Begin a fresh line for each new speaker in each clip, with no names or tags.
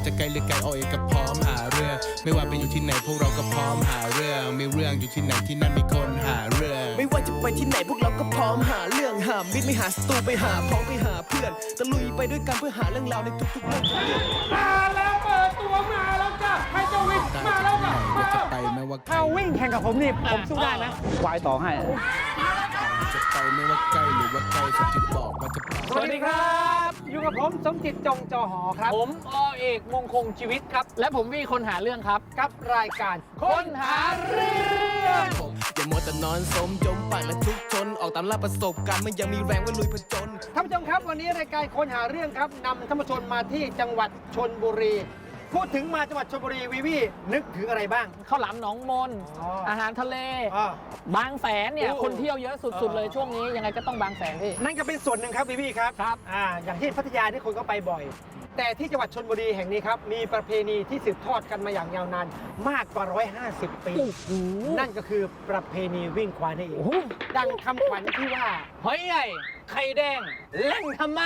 จะไกลหรือไกลเอาเองก็พร้อมหาเรื่องไม่ว่าไปอยู่ที่ไหนพวกเราก็พร้อมหาเรื่องมีเรื่องอยู่ที่ไหนที่นั่นมีคนหาเรื่อง
ไม่ว่าจะไปที่ไหนพวกเราก็พร้อมหาเรื่องหามิตรไม่หาศัตรูไปหาพ้องไปหาเพื่อนตะลุยไปด้วยกันเพื่อหาเรื่องราวในทุกๆเรื่อง
มาแล้วเปิดตัวมาแล้วจ้ะให้เจ้าวิ่งมาแล้วจ้ะมา
จะไปไม่ว่า
ถ้าวิ่งแข่งกับผมนี่ผมสู้ได้ไหมควายต่อให้
จะไปไม่ว่าใกล้หรือว่าไกลสมจิตบอกว่าจะไป
สวัสดีครับอยู่กับผมสมจิตจงจอหอครับ
ผมอเอกมงคงชีวิตครับและผมวีคนหาเรื่องครับ
กับรายการคนหาเรื่อง
อย่ามัวแต่นอนสมจมปากและทุกชนออกตามล่าประสบการณ์มันยังมีแรงไว้ลุยผจญ
ท่านผู้ชมครับวันนี้รายการคนหาเรื่องครับนำท่านผู้ชมมาที่จังหวัดชลบุรีพูดถึงมาจังหวัดชลบุรีวีนึกถึงอะไรบ้าง
ข้าวหลามหนองมนอาหารทะเลบางแสนเนี่ยคนเที่ยวเยอะสุดๆเลยช่วงนี้ยังไงก็ต้องบางแสนพี่
นั่นก็เป็นส่วนหนึ่งครับวีครับอย่างที่พัทยาที่คนก็ไปบ่อยแต่ที่จังหวัดชลบุรีแห่งนี้ครับมีประเพณีที่สืบทอดกันมาอย่างยาวนานมากกว่า150 ปีนั่นก็คือประเพณีวิ่งควายนั่นเองดังคำขวัญที่ว่า
หอยใหญ่ไข่แดงแหล่งธรรมะ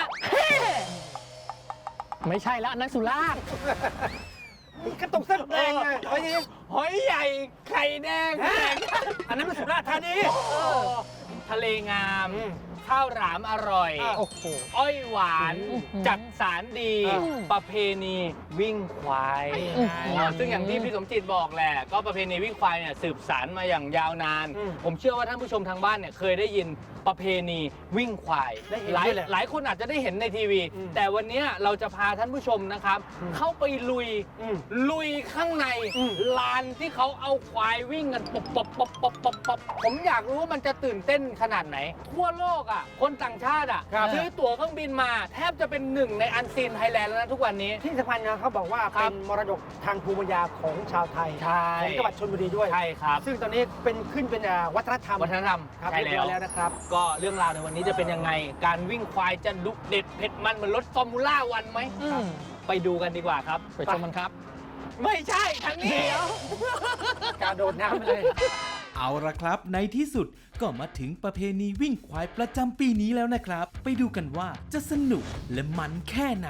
ไม่ใช่แล้วนั่นสุราษฎร์
กระตุกเส้นแดงไง
หอยใหญ่ไข่แดง
อันนั้นมันสุราษฎร์ธานี
ทะเลงามข้าวหลามอร่อยอ้อยหวานจัดสารดีประเพณีวิ่งควายซึ่งอย่างที่พี่สมจิตบอกแหละก็ประเพณีวิ่งควายเนี่ยสืบสานมาอย่างยาวนานผมเชื่อว่าท่านผู้ชมทางบ้านเนี่ยเคยได้ยินประเพณีวิ่งควายหลายคนอาจจะได้เห็นในทีวีแต่วันนี้เราจะพาท่านผู้ชมนะครับเข้าไปลุยข้างในลานที่เขาเอาควายวิ่งกันปบผมอยากรู้ว่ามันจะตื่นเต้นขนาดไหนทั่วโลกอ่ะคนต่างชาติอ่ะซื้อตั๋วเครื่องบินมาแทบจะเป็นหนึ่งในอันซีนไทยแลนด์แล้วนะทุกวันนี้
ที่สำคัญนะเขาบอกว่าเป็นมรดกทางภูมิปัญญาของชาวไทยของจังหวัดชลบุรีด้วย
ใช่ครับ
ซึ่งตอนนี้เป็นวัฒนธรรม
ใช่แล้ว
นะครับ
ก็เรื่องราวในวันนี้จะเป็นยังไงการวิ่งควายจะลุกเด็ดเผ็ดมันเหมือนรถฟอร์มูล่าวันไหมไปดูกันดีกว่าครับไปชมมันครับไม่ใช่ทางนี้
กระโดดน้ำไปเลย
เอาละครับในที่สุดก็มาถึงประเพณีวิ่งควายประจำปีนี้แล้วนะครับไปดูกันว่าจะสนุกและมันแค่ไหน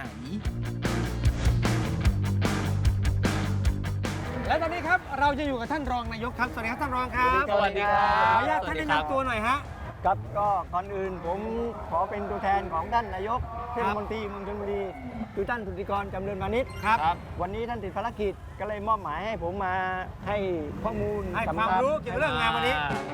และตอนนี้ครับเราจะอยู่กับท่านรองนายกครับสวัสดีครับท่านรองครับ
สวัสดีครับ
ขออนุญาตท่านแนะนำตัวหน่อยฮะ
ครับก็ก่อนอื่นผมขอเป็นตัวแทนของท่านนายกเทศมนตรีเมืองชลบุรีคือท่านสุทธิกรจำเริญพานิช
ครับ
วันนี้ท่านติดภารกิจก็เลยมอบหมายให้ผมมาให้ข้อมูล
ให้ความรู้เกี่ยวกับเรื่องงานวันนี้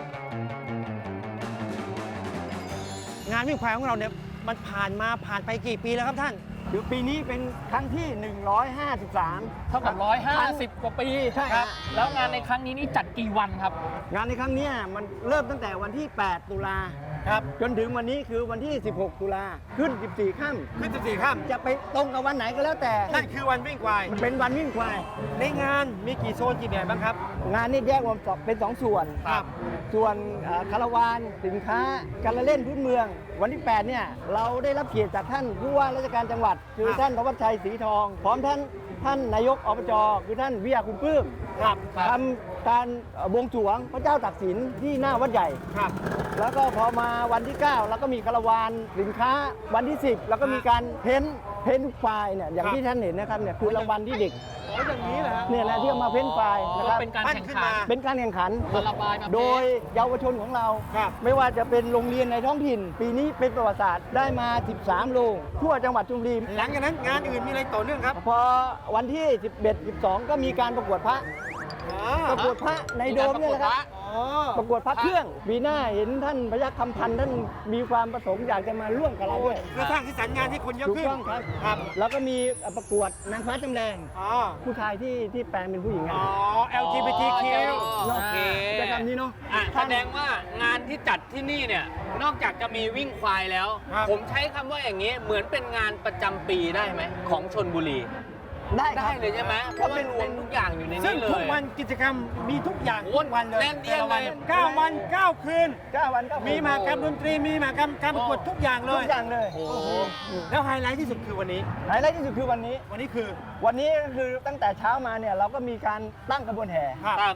งานวิ่งควายของเราเนี่ยมันผ่านไปกี่ปีแล้วครับท่าน
คือปีนี้เป็นครั้งที่153
เท่ากับ150 กว่าปี
ใช่ครับ
แล้วงานในครั้งนี้นี่จัดกี่วันครับ
งานในครั้งนี้มันเริ่มตั้งแต่วันที่8 ตุลา
ครับ
จนถึงวันนี้คือวันที่16 ตุลาขึ้น14 ค่
ำ
จะไปตรงกับวันไหนก็แล้วแต่
นั่นคือวันวิ่งควาย
มันเป็นวันวิ่งควาย
ในงานมีกี่โซนกี่แบบบ้างครับ
งานนี้แยกออกเป็น2 ส่วน
ครับ
ส่วนคาราวานสินค้าการเล่นพื้นเมืองวันที่8เนี่ยเราได้รับเกียรติจากท่านผู้ว่าราชการจังหวัดคือท่านธวัชชัยศรีทองพร้อมท่านนายกอบจคือท่านวิยาคุณปลื้มทำการบวงสรวงพระเจ้าตากสินที่หน้าวัดใหญ่แล้วก็พอมาวันที่9แล้วก็มีคาราวานสินค้าวันที่10แล้วก็มีการเพ้นไฟเนี่ยอย่างที่ท่านเห็นนะครับเนี่ยคือรางวัลที่เด็ก
อย่างนี้แหละ
เนี่ยนะที่เอามาเพ้นไฟนะครับ
เป็นการแข่งขัน
โดยเยาวชนของเราไม่ว่าจะเป็นโรงเรียนในท้องถิ่นปีนี้เป็นประวัติศาสตร์ได้มา13 โรงทั่วจังหวัดชลบุรี
หลังจากนั้นงานอื่นมีอะไรต่อเนื่องครับ
พอวันที่11 12ก็มีการประกวดพระในโดมเนี่ยแหละครับประกวดพระเครื่องปีหน้าเห็นท่านพยัคฆ์คำพันธ์ท่านมีความประสงค์อยากจะมาร่วมกับเราด้วย
เพื่อสร้างสีสันงานที่คนเยอะขึ้น
ถูกต้องครับแล้วก็มีประกวดนางฟ้าจำแรงผู้ชายที่แปลงเป็นผู้หญิง
LGBTQ
โอเค
จะทำนี้เนาะ
แสดงว่างานที่จัดที่นี่เนี่ยนอกจากจะมีวิ่งควายแล้วผมใช้คำว่าอย่างนี้เหมือนเป็นงานประจำปีได้ไหมของชลบุรีได้เลยใช่ไหมเพราะมันรวมทุกอย่างอยู่ในนี้เลย
ซึ่งทุกวันกิจกรรมมีทุกอย่างทุกวันเลย
แน่นเอียดเลย
9 วัน 9 คืนมีมหกรรมดนตรีมีมหกรรมการประกวดทุกอย่างเลย
โอ้โห
แล้วไฮไลท์ที่สุดคือวันนี้
ไฮไลท์ที่สุดคือวันนี้
คือ
ตั้งแต่เช้ามาเนี่ยเราก็มีการตั้งกระบวนแห่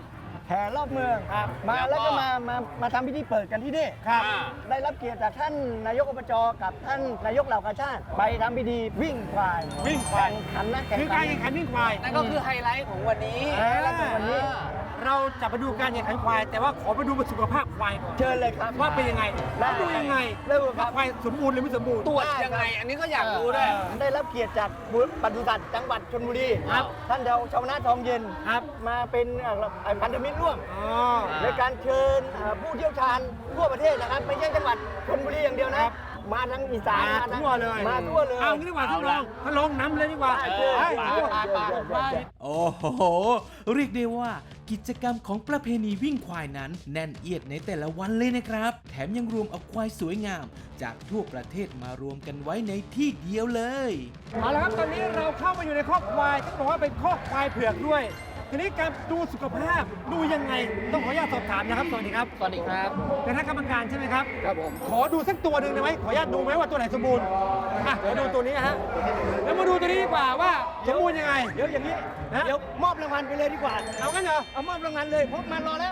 แห่รอบเมืองมาแล้วก็มาทำพิธีเปิดกันที่นี่
ครับ
ได้รับเกียรติจากท่านนายกอบจกับท่านนายกเหล่ากาชาติไปทำพิธีวิ่งควาย
วิ่งควาย
แข่งขันนะแข่ง
คือการแข่งขันวิ่งควาย
นั่นก็คือไฮไลท์ของวันนี้
แล้วก็วันนี้
เราจะไปดูการแข่งขันควาย แต่ว่าขอไปดูสุขภาพควายก่อน
เชิญเลยครับ
ว่าเป็นยังไง
ได้
แล้วดูยังไง
เริ่มครั
ว่า
บ
ควายสมบูรณ์หรือไม่สมบูรณ์
ตรวจยังไง อันนี้ก็อยากรู้ด้วย
ได้รับเกียรติจากปศุสัตว์จังหวัดชลบุรี
ครับ
ท่านชาวนาทองเย็น
ครับ
มาเป็นพันธมิตรร่วม
อ๋อ
ในการเชิญผู้เชี่ยวชาญทั่วประเทศนะครับไม่ใช่จังหวัดชลบุรีอย่างเดียวนะ มาทั้งอีสาน
มา
ทั้ง
ทั่วเลย
มาทั่วเลย
เอางี้ดีกว่าท่านรองนำเลยดีกว่า
ได้เชิญ
ไป
โอ้โห เรียกได้ว่ากิจกรรมของประเพณีวิ่งควายนั้นแน่นเอียดในแต่ละวันเลยนะครับ แถมยังรวมเอาควายสวยงาม จากทั่วประเทศมารวมกันไว้ในที่เดียวเลย
เอาละครับตอนนี้เราเข้ามาอยู่ในคอกควายต้องบอกว่าเป็นคอกควายเผือกด้วย ทีนี้การดูสุขภาพดูยังไงต้องขออนุญาตสอบถามนะครับสวัสดีครับ
สวัสดีครับ
เป็นคณะกรรมการใช่ไหมครับ
ครับผม
ขอดูสักตัวหนึ่งได้ไหมขออนุญาตดูไหมว่าตัวไหนสมบูรณ์อ่ะขอดูตัวนี้ฮะแล้วมาดูตัวนี้ดีกว่าว่าสมบูรณ์ยังไง
เดี๋ยวอย่างนี้
ฮะ
เดี๋ยวมอบรางวัลไปเลยดีกว่า
เอางั้นเหรอ
เอามอบรางวัลเลยเพราะมันรอแล้ว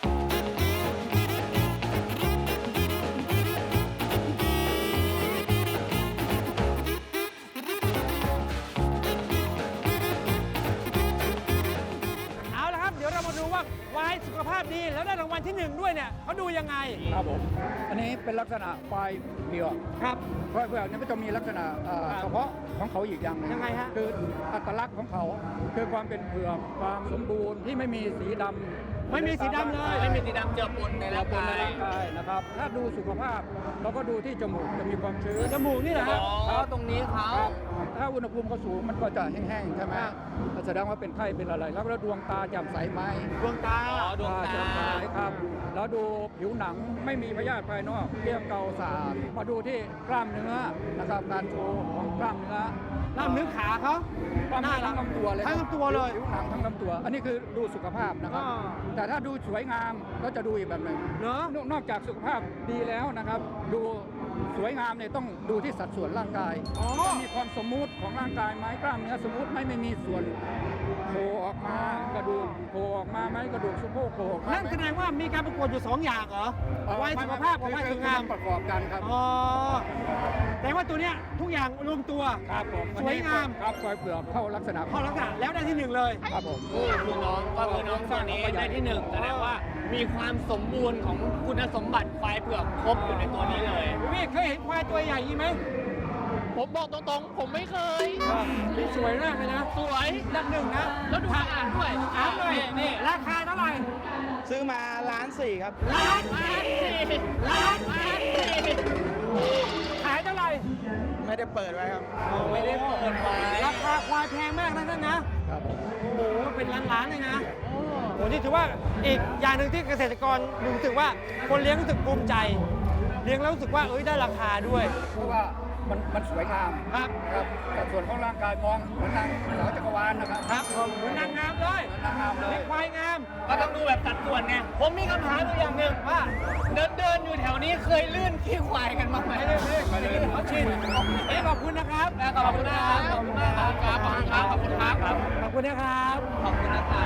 เอาละครับเดี๋ยวเรามาดูว่าควายสุขภาพดีแล้วได้รางวัลที่หนึ่งด้วยเนี่ยเขาดูยังไง
ครับผม อันนี้เป็นลักษณะควายเผือก
ครับ
ควายเผือกเนี่ยมันจะมีลักษณะเฉพาะของเขาอีกอย่างหนึง
ยังไงฮะ
คืออัตลักษณ์ของเขาคือความเป็นเผือกความสมบูรณ์ที่ไม่มีสีดำ
ไม่มีสีดำเลย
ไม่มีสีดำเจือปนในร่าง
ใน
กาย
ร่างกายนะครับ ถ้าดูสุขภาพเราก็ดูที่จมูกจะมีความชื้น
จมูกนี่แหละฮะ
อ๋อ ตรงนี้เขา
ครับถ้าอุณหภูมิเขาสูงมันก็จะแห้งๆใช่ไหมแสดงว่าเป็นไข้เป็นอะไร แล้วดวงตาแจ่มใสไหม
ดวงตา
อ๋อ ดวงตา
แจ่มใสครับ แล้วดูผิวหนังไม่มีพยาธิภายนอกเกลี้ยงเกาสะอาดมาดูที่กล้ามเนื้อนะครับการโชว์ของกล้ามเนื้อ
ล่ามเนื้อขาเขา
กล้ามเนื้อทั้งลำตัวเลย
ทั้งลำตัวเลย
ผิวหนังทั้งลำตัว อันนี้คือดูสุขภาพนะครับ
อ่า
แต่ถ้าดูสวยงามก็จะดูอีกแบบหนึ่ง
เนอะ
นอกจากสุขภาพดีแล้วนะครับ ดูสวยงามเนี่ยต้องดูที่สัดส่วนร่างกาย
อ๋อ
มีความสมมุติของร่างกายไหมกล้ามเนื้อสมมุติไหมไม่มีส่วนโผล่ออกมากระดูกโผล่ออกมาไหมกระดูกสะโพกโผล่ออกมา
นั่น
ไหม
แสดงว่ามีการประกวดอยู่สองอย่างเหรอควายสุขภาพกับควายสวยงาม
ประกอบกันครับ
อ๋อแต่ว่าตัวเนี้ยทุกอย่างรวมตัว
ครับผม
สวยงาม
ครับควายเปลือกเข้าลักษณะ
เข้าลักษณะแล้วได้ที่หนึ่งเลย
ครับผม
คือน้องก็คือน้องตัวนี้ได้ที่หนึ่งแสดงว่ามีความสมบูรณ์ของคุณสมบัติควายเผือกครบอยู่ในตัวนี้เลย
พี่เคยเห็นควายตัวใหญ่ยี่ไหม
ผมบอกตรงๆ ผมไม่เคย
นี่สวยมากเลยนะ
สวย
อันดับหนึ่งนะ
แล้วดูสะอาดด้วย
ถามเลย
นี่
ราคาเท่าไหร่
ซื้อมา1,400,000ครับ
ล้าน
มา
สี่
สิล้านมาสิ
ขายเท่าไหร่
ไม่ได้เปิดไว้ครับ
ไม่ได้เปิดไว้
ราคาควายแพงมากนะท่านนะ
ครับผม
โอ้โหเป็นล้านๆเลยนะโอ้โหนี่ถือว่าอีกอย่างหนึ่งที่เกษตรกรรู้สึกว่าคนเลี้ยงรู้สึกภูมิใจ เลี้ยงแล้วรู้สึกว่าได้ราคาด้วย
เพราะว่ามันสวยงาม
ครับ
ครับแต่ส่วนของร่างกายมองเหมือนนางสาวจักรวาลนะครับ
ครับเหมือนนางงามเลย
เหมือนนางงามเลย
เลี้ยงควายงาม
ก็ต้องดูแบบสัดส่วนไง ผมมีคำถามอยู่อย่างหนึ่งว่าเดินอยู่แถวนี้เคยลื่นขี้ควายกันบ้างไหม
ไม่ได้เขาชินขอบคุณนะครับ
ขอบคุณนะครับ ขอบคุณมากครับ ขอบคุณครับ ขอบคุณครับ
ขอบคุณนะครับ
ขอบคุณนะครับ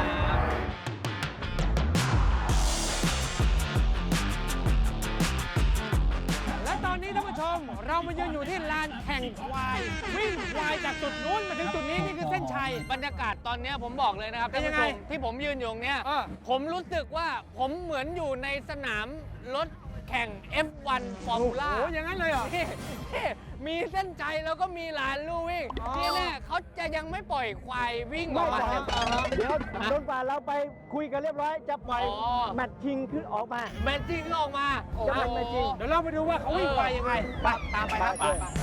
และตอนนี้ท่านผู้ชมเรามายืนอยู่ที่ลานแข่งควาย วิ่งควายจากจุดนู้นมาถึงจุดนี้นี่คือเส้นชัย
บรรยากาศตอนเนี้ยผมบอกเลยนะครับ
เป็นยังไง
ท่าผู้ชมที่ผมยืนอยู่ตรงเนี้ย
เออ
ผมรู้สึกว่าผมเหมือนอยู่ในสนามรถแข่ง F1 ฟอร์มูล่า
โอ้อย่างนั้นเลยเหรอ
นี่มีเส้นใจแล้วก็มีลานลู่วิ่ง
อ๋อ
ที่แน่เขาจะยังไม่ปล่อยควายวิ่งอ
ไม่
อก
ป
มา
ล่อยเดี๋ยวจนกว่าเราไปคุยกันเรียบร้อย จะปล่อย
อ๋อ
แมตช์ชิงขึ้นออกมา
แมตช์จริงก็ออกมา
จะเป็นแมตช์จริง
เดี๋ยวเราไปดูว่าเขาวิ่งควายยังไงไปตามไปครับ
ไป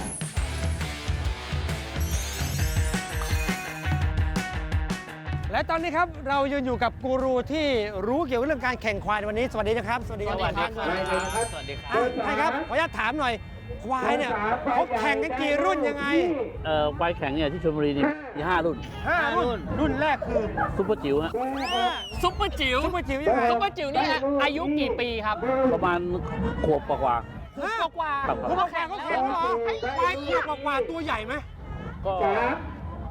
และตอนนี้ครับเรายืนอยู่กับกูรูที่รู้เกี่ยวกับเรื่องการแข่งควายในวันนี้สวัสดีนะครับ สวัสดีครับ
สวัสดีครับ สวัสดีครับ
ใช่ครับขออนุญาตถามหน่อย ควายเนี่ยเขาแข่งกันกี่รุ่นยังไง
ควายแข็งเนี่ยที่ชลบุรีนี่มี5 รุ่น
5 รุ่น รุ่นแรกคือ
ซุปเปอร์จิ๋วฮะ
ซุปเปอร์จิ๋ว
ซุปเปอร์จิ๋วยังไง
ซุปเปอร์จิ๋วนี่อายุกี่ปีครับ
ประมาณขวบกว่า
ขวบกว่า
ครับ
ผู้มาแข่งเขาแข่งเหรอควายขวบกว่าตัวใหญ่ไหม
ๆก็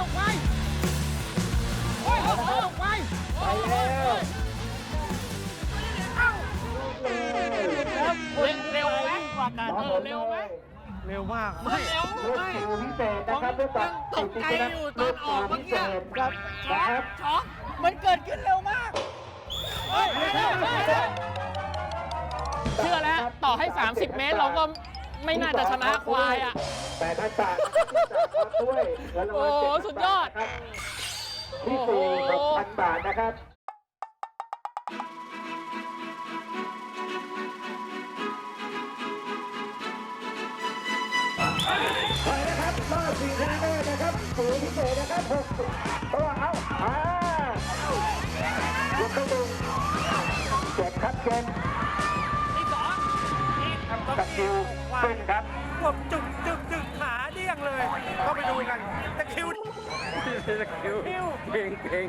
ควายโอ้ยควาย
ไปแล้ว
เร็วไหม
เร็วมาก
ไม่เร็วไม่ผมยังตกใจอยู่ตอนออกเมื่อกี้ช็อกมันเกิดขึ้นเร็วมากเชื่อแล้วต่อให้ 30 เมตรเราก็ไม่น่าจะชนะควายอ่ะแต่ถ้าจ่ายด้วยโอ้สุดยอดที่4,000 บาทนะครับ
ไปนะครับรอบ4ชนะเลิศนะครับสูงพิเศษนะครับ60ตัวเอายกเข้าดูเจ็บครับเกมตะคิวขึ้นครับ
กบจุกขาเดี้ยงเลย ก็ไปดูกันตะคิวเก่ง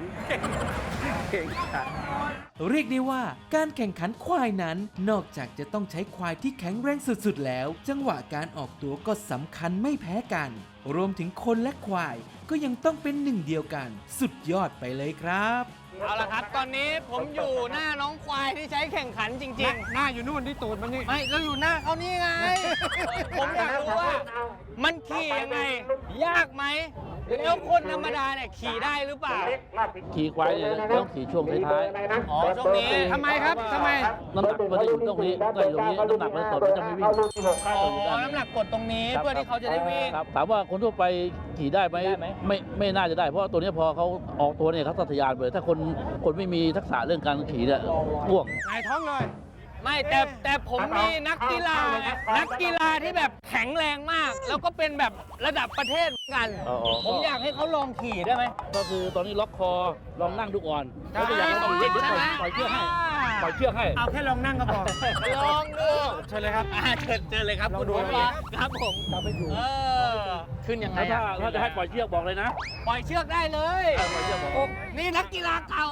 เรียกได้ว่าการแข่งขันควายนั้น นอกจากจะต้องใช้ควายที่แข็งแรงสุดๆแล้ว จังหวะการออกตัวก็สำคัญไม่แพ้กัน รวมถึงคนและควายก็ยังต้องเป็นหนึ่งเดียวกัน สุดยอดไปเลยครับ
เอาละครับตอนนี้ผมอยู่หน้าน้องควายที่ใช้แข่งขันจริง
หน้าอยู่นู่นที่ตูดมันนี่
ๆ ไม่เราอยู่หน้าเขานี่ไง ผมอยากรู้ว่ามันขี่ยังไง ยากไหมแล้วคนธรรมดาเนี่ยขี่ได้หรือเปล่า
ขี่ควายเนี่ยต้องขี่ช่วงท้าย
อ๋อช่วงนี้
ทำไมครับทำไม
ๆน้ำหนักมันจะอยู่ตรงนี้ก็อยู่ตรงนี้น้ำหนักมันตดมันจะไม่วิ่ง
อ๋อน้ำหนักกดตรงนี้เพื่อที่เขาจะได้วิ่ง
ครับถามว่าคนทั่วไปขี่ได้ไหมไม่น่าจะได้เพราะว่าตัวนี้พอเขาออกตัวเนี่ยเขาทะยานไปถ้าคนไม่มีทักษะเรื่องการขี่เนี่ยพ่วง
หงายท้องเลย
ไม่แต่ผมมีนักกีฬาที่แบบแข็งแรงมาก แล้วก็เป็นแบบระดับประเทศเหมือนกัน ผมอยากให้เขาลองขี่ได้ไหม
ก็คือตอนนี้ล็อกคอลองนั่งดูก่อนแล้วก็อยากให้ขี่เดี๋ยวปล่อยเชือกให้
เอาแค่ลองนั่งก็พอ
ลองดู
เชิญเลยครับ
เชิญเลยครับคุณ
ลองดู
ผู้ชมครับผม
เราไปอยู่
ขึ้นยังไง
ถ้า
อะ
ถ้าจะให้ปล่อยเชือกบอกเลยนะ
ปล่อยเชือกได้เลย
ปล่อยเชือกบอก
นี่นักกีฬาเก่า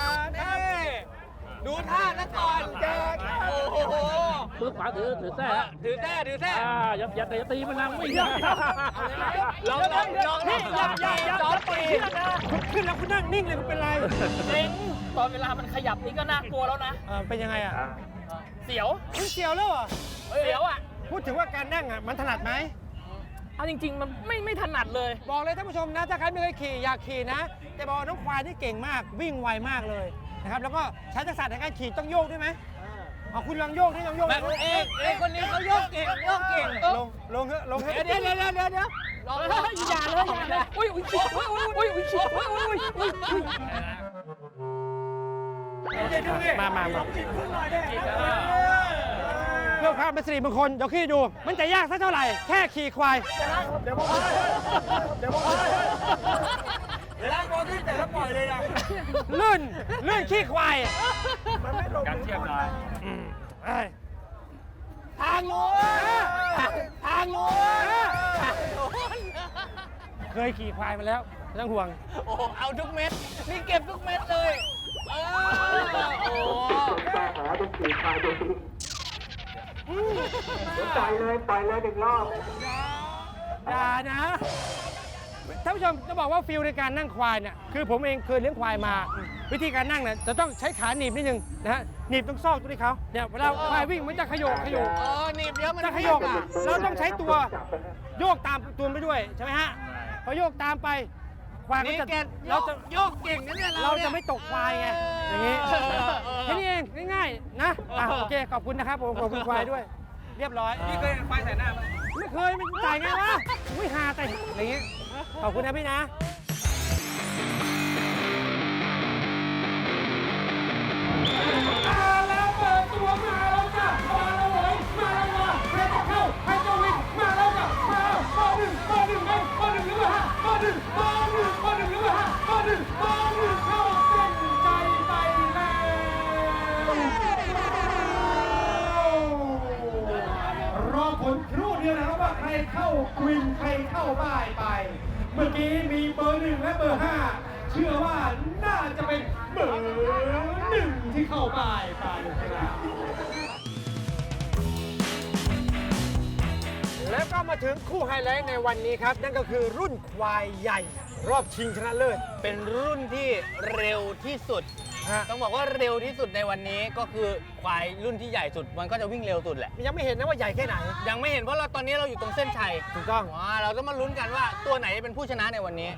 ดูท่านะก่อนโอ้โห
มือขวาถือแท้ฮะ
ถือแท้
อย่าตีมันนะไม่ได้
ลองนี่อย่าจอดปี
คุณขึ้นแล้วคุณนั่งนิ่งเลยคุณเป็นไร
เจ๋งตอนเวลามันขยับนี่ก็น่ากลัวแล้วนะ
เป็นยังไงอ่ะ
เสียว
คุณเสียวแล้วเหรอ
เสียวอ่ะ
พูดถึงว่าการนั่งอ่ะมันถนัดไหม
เอาจริง ๆ มันไม่ถนัดเลย
บอกเลยท่านผู้ชมนะถ้าใครไม่เคยขี่อยากขี่นะแต่บอกว่าน้องควายที่เก่งมากวิ่งไวมากเลยนะครับแล้วก็ใช้ทักษะในการขี่ต้องโยกด้วยไหมเอาคุณลองโยกนี่ลองโยก
แบบเอกคนนี้เขาโยกเก่ง
ลงเถอะลงเถอะ
เดี๋ยวลองเลยอย่าเลยอุ้ย
มาเพื่อความเป็นสิริมงคลเดี๋ยวขี่ดู มันจะยากสักเท่าไหร่แค่ขี่ควายเดี๋ยวลื่นขี้ควายการเทียบหน่อยทางโน้นเคยขี่ควายมาแล้วไม่ต้องห่วง
โอ้เอาทุกเม็ดนี่เก็บทุกเม็ดเลยโอ้
ปล่อยเลย1 รอบ
อย่านะท่านผู้ชมจะบอกว่าฟิลในการนั่งควายเนี่ยคือผมเองเคยเลี้ยงควายมา วิธีการนั่งเนี่ยจะต้องใช้ขาหนีบนิดนึงนะฮะหนีบตรงซอกตรงนี้เขาเนี่ยเวลาควายวิ่งมันจะขยโยก
หนีบเดี๋ยวมัน
จะขยโยกเราต้องใช้ตัวโยกตามตัวไปด้วยใช่ไหมฮะพอโยกตามไปควายก็
นี่
จะ
แก
เราจะ
โยกเก่งนะเนี่ย
เราจะไม่ตกควายไงอย่างนี้แค่นี้เองง่ายๆนะโอเคขอบคุณนะครับผมขอบคุณควายด้วย เรียบร้อย
พี่เคยควายใส่หน้าไหม
ไม่เคยมันจ่ายไงวะอุ้ยหาแต่อะไรเงี้ยขอบคุณนะพี่นะ
มาแล้วเปิดตัวมาแล้วจ้ะมาแล้วเว้ยมาแล้วว่ะใครจะเข้าใครจะวิ่งมาแล้วจ้ะมาแล้วเบอร์ 1หรือเปล่าเบอร์ 1หรือเปล่าเบอร์ 1หรือเปล่าเบอร์ 1เข้าเส้นใจไปแล้วรอผลครู่เดียวนะครับว่าใครเข้าวินใครเข้าบ้ายไป เมื่อกี้มีเบอร์ 1และเบอร์ 5เชื่อว่าน่าจะเป็นเบอร์ 1ที่เข้าบ้ายไปครับ
แล้วก็มาถึงคู่ไฮไลท์ในวันนี้ครับ นั่นก็คือรุ่นควายใหญ่ รอบชิงชนะเลิศ
เป็นรุ่นที่เร็วที่สุดต้องบอกว่าเร็วที่สุดในวันนี้ก็คือควายรุ่นที่ใหญ่สุดมันก็จะวิ่งเร็วสุดแหละ
ยังไม่เห็นนะว่าใหญ่แค่ไหน
ยังไม่เห็นเพราะเราตอนนี้เราอยู่ตรงเส้นชัย
ถูกต้อง
เราต้องมาลุ้นกันว่าตัวไหนเป็นผู้ชนะในวันนี้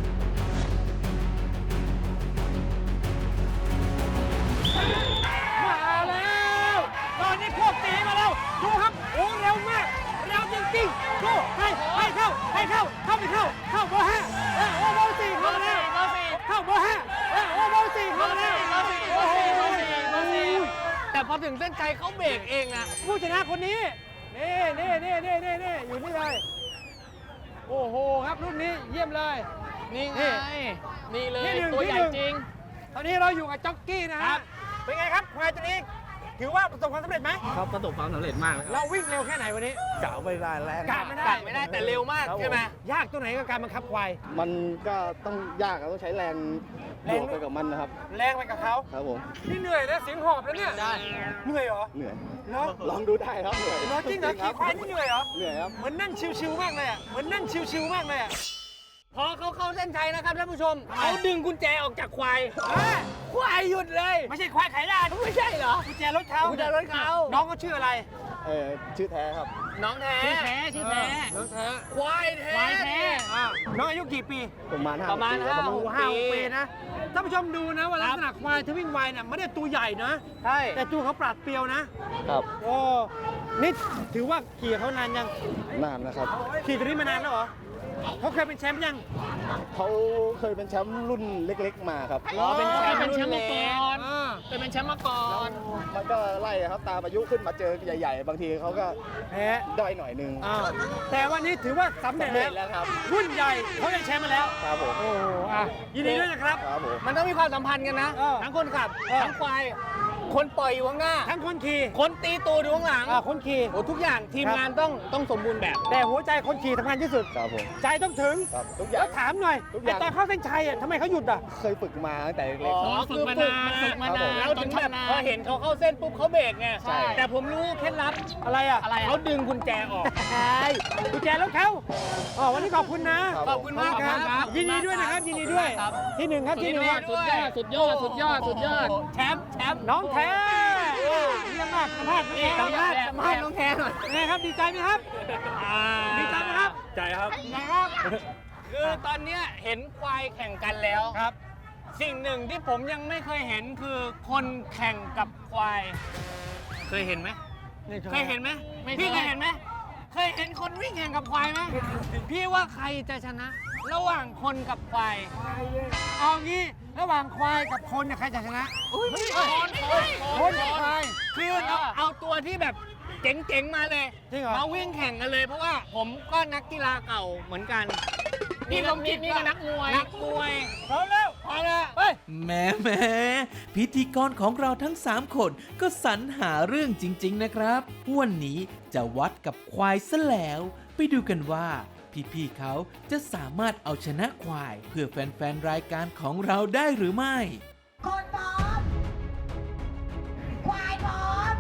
มาแล้วตอนนี้พวกตีมาแล้วดูครับโอ้เร็วมากเร็วจริงๆดูให้เข้าไปเข้าเบอร์ 5โอ้เบอร์ 4เข้ามาแล้วเข้าเบอร์ 5โอ้เบอร์ 4เข้ามาแล้วโอ้โห
แต่พอถึงเส้นชัยเขาเบรกเองอะ
ผู้ชนะคนนี้นี่อยู่นี่เลยโอ้โหครับรุ่นนี้เยี่ยมเลย
นี่ไงนี่เลย
ที่หนึ่ง
ตัวใหญ่จริง
ตอนนี้เราอยู่กับจ็อกกี้นะ
ค
ฮะ
รับ
เป็นไงครับควายตัวนี้ถือว่าประสบความสำเร็จไหม
ครับประสบความสำเร็จมากเลยครับ
เราวิ่งเร็วแค่ไหนวันนี้
กะไม่ได้แรง
กะไม่ได้
กัดไม่ได้แต่เร็วมากใช่ไหม
ยากตัวไหนกับการบังคับควาย
มันก็ต้องยากต้องใช้แรงบวกไปกับมันนะครับ
แรงไปกับเขา
ครับผม
นี่เหนื่อยนะเสียงหอบแล้วเนี่ยเหนื่อยเหรอ
เหนื่อย
เนาะ
ลองดูได้ครับเหนื่อย
เหรอจริงเหรอขี่ควายนี่เหนื่อยเหรอ
เหนื่อยครับ
เหมือนนั่งชิวๆมากเลยอ่ะเหมือนนั่งชิวๆมากเลยอ่ะ
พอเขาเข้าเส้นชัยนะครับท่านผู้ชมเขาดึงกุญแจออกจากควาย
อ่ะ
ควายหยุดเลย
ไม่ใช่ควายไขลาน
ไม่ใช่เหรอ
กุญแจรถเขา
กุญแจรถเขา
น้องเขาชื่ออะไร
ชื่อแท้ครับ
น้องแท้
ชื่อแท้
น้องแท้
ควายแท้
ควายแท้
น้องอายุกี่ปี
ประมาณ
ประมาณ
5 ปีครับ
โอ้โห5 ปีนะท่านผู้ชมดูนะว่าลักษณะควายที่วิ่งไวเนี่ยไม่ได้ตัวใหญ่นะ
ใช่
แต่ตัวเขาปราดเปรียวนะ
ครับ
โอ้นี่ถือว่าขี่เขานานยัง
นานนะครับ
ขี่ตัวนี้มานานแล้วเหรอเขาเคยเป็นแชมป์ยัง
เขาเคยเป็นแชมป์รุ่นเล็กๆมาครับ
อ๋อเป็นแชมป์
เป็นแชมป์มาก่อน
อ่า
เป็นแชมป์มาก่อน
มันก็ไล่ครับตามอายุขึ้นมาเจอใหญ่ๆ บางทีเขาก็
แพ้
ด้อยหน่อยนึง
อ่าแต่วันนี้ถือว่าสำเร็จ
สำเร็จแล้วครับ
รุ่นใหญ่เขาได้แชมป์มาแล้ว
ครับผม
โอ้โหอ่ะยินดีด้วยนะครับ
ครับผม
มันต้องมีความสัมพันธ์กันนะ
เออ
ทั้งคนขับ
เออ
ทั้งควาย คนปล่อยอยู่ข้างหน้า
ทั้งคนขี่
คนตีตูดอยู่ข้างหลัง
คนขี่
โอ้ทุกอย่างทีมงานต้องสมบูรณ์แบบ
แต่หัวใจคนขี่สำคัญที่สุด
ครับผม
ใจต้องถึง
ครับทุกอย่า
แล้
ง
วถามหน่อย
ทุกอ
ไอ้
ย่าง
ตอนเข้าเส้นชัยอ่ะทำไมเขาหยุดอ่ะ
เคยฝึกมาตั้งแต่เล็ก
อ๋อ
ฝึกมานานฝึกมานาน
แล้วถึงแบบพอเห็นเขาเข้าเส้นปุ๊บเขาเบรกไง
ใช่
แต่ผมรู้เคล็ดลับ
อะไรอ่ะ
อะไรอ่ะ
เขาดึงกุญแจออก
ใช่กุญแจรถเขาอ๋อวันนี้ขอบคุณนะ
ครับ
ขอบคุณมากครับ
ยินดีด้วยนะครับ ยินดีด้วย
ครับ
ที่หนึ่งครับที่หนึ่งครับ
สุดยอด สุดยอด สุดยอด
แชมป์
น้องแท้เยี่ยมมากสัมภาษณ์
นี่
สัมภาษณ์
สัมภาษณ์น้องแท้หน่อย
เป็นไงครับดีใจไหมครับ ดีใจไหมครับ
ใจครับ
นะครับ
คือตอนเนี้ยเห็นควายแข่งกันแล้ว
ครับ
สิ่งหนึ่งที่ผมยังไม่เคยเห็นคือคนแข่งกับควาย เคยเห็นไหม เคยเห็นไหม
ไม่เคย
พี่เคยเห็นไหม เคยเห็นคนวิ่งแข่งกับควายไหมพี่ว่าใครจะชนะ ระหว่างคนกับควาย
เอางี้ระหว่างควายกับคนเนี่ยใครจะชนะ คนควาย
คือเอาตัวที่แบบเจ๋งๆมาเลย
จริงเหรอ
มาวิ่งแข่งกันเลย เพราะว่าผมก็นักกีฬาเก่าเหมือนกัน
นี่ก็นี่ก็นักมวย
นักมวย
พร้อมแล้ว
พอแล้ว
ไป
แหมพิธีกรของเราทั้ง 3 คนก็สรรหาเรื่องจริง ๆ นะครับ วันนี้จะวัดกับควายซะแล้ว ไปดูกันว่า พี่ๆเขาจะสามารถเอาชนะควาย เพื่อแฟนๆรายการของเราได้หรือไม่
คนพร้อม ควายพร้อม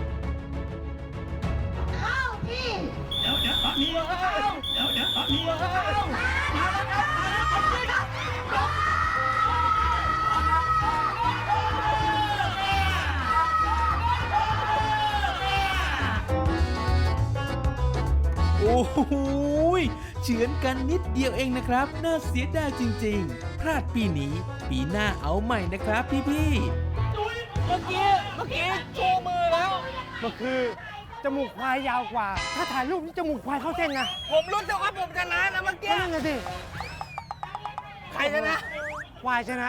เข้าที่
โอ้โหยเฉือนกันนิดเดียวเองนะครับ น่าเสียดายจริงๆ พลาดปีนี้ ปีหน้าเอาใหม่นะครับพี่
เมื่อกี้ชูมือแล้ว
มันคือจมูกควายยาวกว่า ถ้าถ่ายรูปนี่จมูกควายเข้าเส้นนะ
ผมรู้สึกว่าผมชนะนะเมื่อ
ก็
กี้
นั่นไงสิ
ใครชนะ
ควายชนะ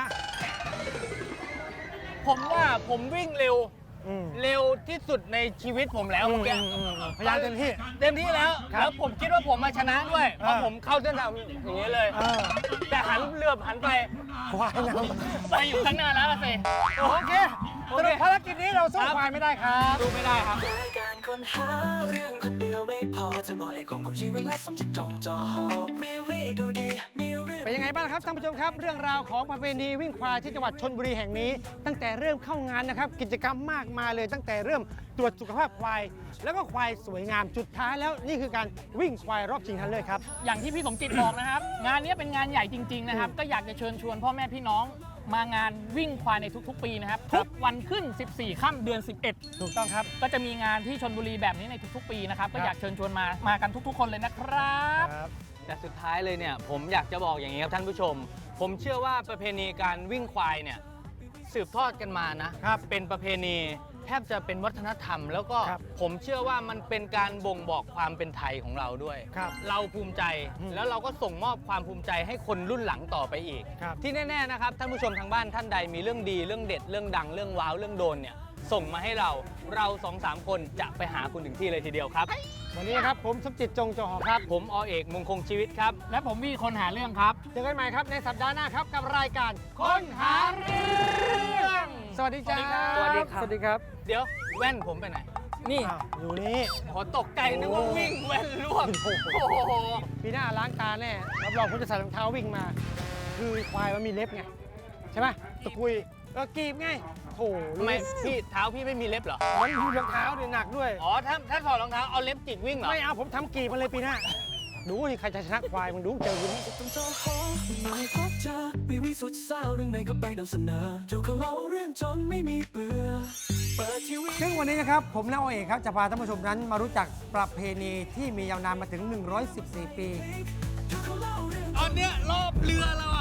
ผมว่าผมวิ่งเร็ว
อืม
เร็วที่สุดในชีวิตผมแล้วเมื่อกี้
พยายามเต็มที่
เต็มที่แล้ว
ครับ
แล้วผมคิดว่าผมมาชนะด้วย เพราะผมเข้าเส้นทางอย่างนี้เลย
เออ
แต่หันเรือหันไป
ควายนะ
ไปอยู่ข้างหน้าแล้วล่ะสิ
โอเคสรุปภารกิจนี้เราสู้ควายไม่ได้ครับ
ดูไม่ได้ครับ
รายการคนหาเรื่องคนเดียวไม่พอจะบอกไอ้ของผมชีวิตและสมจิตจงจอหอบมีวิดูดีมีเรื่อง
เป็นยังไงบ้างครับท่านผู้ชมครับ เรื่องราวของประเพณีวิ่งควายที่จังหวัดชลบุรีแห่งนี้ ตั้งแต่เริ่มเข้างานนะครับ กิจกรรมมากมายเลย ตั้งแต่เริ่มตรวจสุขภาพควาย แล้วก็ควายสวยงามจุดท้ายแล้วนี่คือการวิ่งควายรอบชิงชนะเลิศครับ
อย่างที่พี่สมจิตบอกนะครับ งานนี้เป็นงานใหญ่จริง ๆ นะครับ ก็อยากจะเชิญชวนพ่อแม่พี่น้องมางานวิ่งควายในทุกๆ ปีนะครับทุกวันขึ้น 14 ค่ำเดือน 11
ถูกต้องครับ
ก็จะมีงานที่ชลบุรีแบบนี้ในทุกๆ ปีนะครับก็อยากเชิญชวนมากันทุกๆ คนเลยนะครับ
แต่สุดท้ายเลยเนี่ยผมอยากจะบอกอย่างนี้ครับท่านผู้ชม ผมเชื่อว่าประเพณีการวิ่งควายเนี่ยสืบทอดกันมานะครับเป็นประเพณีแทบจะเป็นวัฒนธรรม แล้วก็
ครับ
ผมเชื่อว่ามันเป็นการบ่งบอกความเป็นไทยของเราด้วย
ครับ
เราภูมิใจแล้วเราก็ส่งมอบความภูมิใจให้คนรุ่นหลังต่อไปอีก
ครับ
ที่แน่ๆนะครับท่านผู้ชมทางบ้านท่านใดมีเรื่องดีเรื่องเด็ดเรื่องดังเรื่องว้าวเรื่องโดนเนี่ยส่งมาให้เรา 2-3 คนจะไปหาคุณถึงที่เลยทีเดียวครับ
วันนี้นะครับผมสมจิตจงจอหอครับ
ผมอเอกมงคงชีวิตครับ
และผมวีคนหาเรื่องครับ
เจอกันใหม่ครับในสัปดาห์หน้าครับกับรายการ
คนหาเรื่อง
สวัสดีจ้า
สวัสดีครับ
สวัสดีครับ
เดี๋ยวแว่นผมไปไหน นี่
อ้าวอยู่นี่
ขอตกใจนึกว่าวิ่งแว่นร่วงโอ้โห
ปีหน้าล้างตาแน่รับรองคุณจะใส่รองเท้าวิ่งมา คือควายมันมีเล็บไง ใช่ไหมตะกุยกีบไงโถ
ทำไมพี่เท้าพี่ไม่มีเล็บเหรอ
มันดูรองเท้าเนี่ยหนักด้วย
อ๋อถ้าถอดรองเท้าเอาเล็บจิกวิ่งเหรอ
ไม่เอาผมทำกีบมาเลยปีหน้า ดูนี่ใครจะชนะควายมึงดูเจอกูนี่
ต้องเจอหอไม่พบเจอวิวิสุดเศร้าเรื่องไหนก็ไปนำเสนอเจ้าเขาเล่าเรื่องจนไม่มีเบื่อเปิดทีวี
ซึ่งวันนี้นะครับผมและโอเอกครับจะพาท่านผู้ชมนั้นมารู้จักประเพณีที่มียาวนานมาถึง 114 ปี
ตอนเนี้ยรอบเรือเรา